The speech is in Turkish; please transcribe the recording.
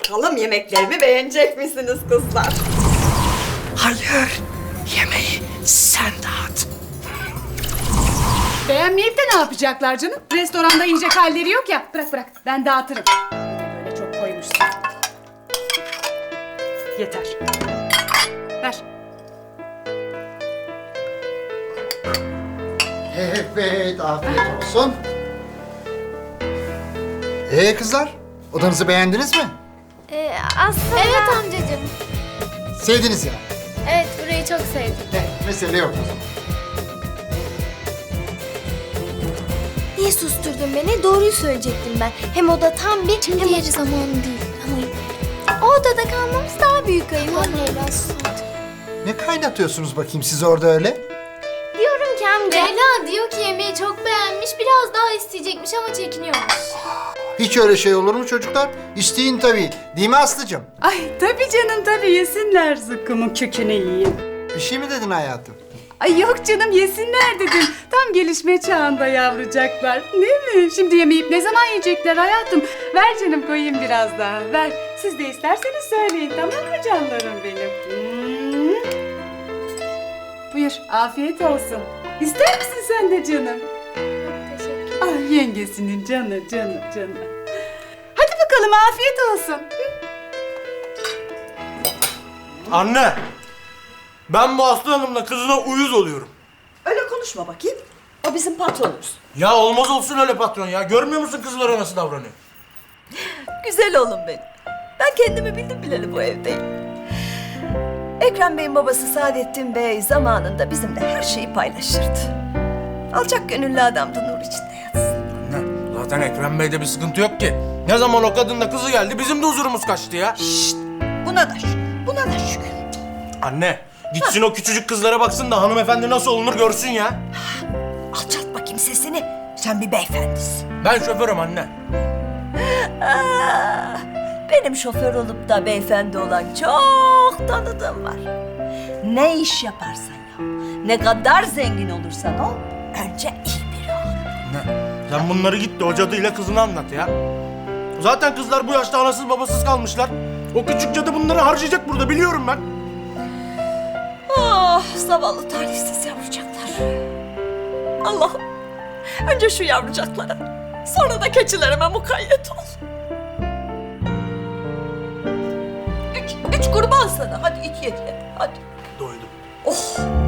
Bakalım yemeklerimi beğenecek misiniz kızlar? Hayır, yemeği sen dağıt. Beğenmeyip de ne yapacaklar canım? Restoranda yiyecek halleri yok ya. Bırak bırak, ben dağıtırım. Bir de böyle çok koymuşsun. Yeter. Ver. Evet, afiyet olsun. Kızlar, odanızı beğendiniz mi? Aslında... Evet amcacığım. Sevdiniz ya. Evet, burayı çok sevdim. Mesele yok o zaman. Niye susturdun beni? Doğruyu söyleyecektim ben. Hem o da tam bir... Şimdi yeri zamanı değil. Ama o odada kalmamız daha büyük ayıp. Anne biraz Ne kaynatıyorsunuz bakayım siz orada öyle? diyorum ki amca. Leyla diyor ki yemeği çok beğenmiş. Biraz daha isteyecekmiş ama çekiniyormuş. Hiç öyle şey olur mu çocuklar? İsteyin tabii. Değil mi Aslı'cığım? Ay tabii canım tabii yesinler, zıkkımın kökünü yiyeyim. Bir şey mi dedin hayatım? Ay yok canım, yesinler dedim. Tam gelişme çağında yavrucaklar. Değil mi? Şimdi yemeyip ne zaman yiyecekler hayatım? Ver canım, koyayım biraz daha. Ver. Siz de isterseniz söyleyin, tamam mı canlarım benim? Buyur, afiyet olsun. İster misin sen de canım? Teşekkür. Ah yengesinin canı. Hadi bakalım, afiyet olsun. Anne! Ben bu Aslı Hanım'la kızına uyuz oluyorum. Öyle konuşma bakayım. O bizim patronumuz. Ya olmaz olsun öyle patron ya. Görmüyor musun kızlara nasıl davranıyor? Güzel oğlum benim. Ben kendimi bildim bileli bu evdeyim. Ekrem Bey'in babası Saadettin Bey zamanında bizimle her şeyi paylaşırdı. Alçak gönüllü adamdı, nur içinde yatsın. Anne, zaten Ekrem Bey'de bir sıkıntı yok ki. Ne zaman o kadınla kızı geldi bizim de huzurumuz kaçtı ya. Buna da şükür, buna da şükür. Anne, gitsin o küçücük kızlara baksın da hanımefendi nasıl olunur görsün ya. Alçalt bakayım sesini, sen bir beyefendisin. Ben şoförüm anne. Ah, benim şoför olup da beyefendi olan çok tanıdığım var. Ne iş yaparsan yap, ne kadar zengin olursan ol, önce iyi biri ol. Anne, sen bunları git de o cadıyla kızına anlat ya. Zaten kızlar bu yaşta anasız babasız kalmışlar. O küçük cadı bunları harcayacak burada biliyorum ben. Ah, zavallı talihsiz yavrucaklar. Allah'ım, önce şu yavrucaklara, sonra da keçilerime mukayyet ol. Üç kurban sana, hadi it ye, hadi. Doydum. Oh,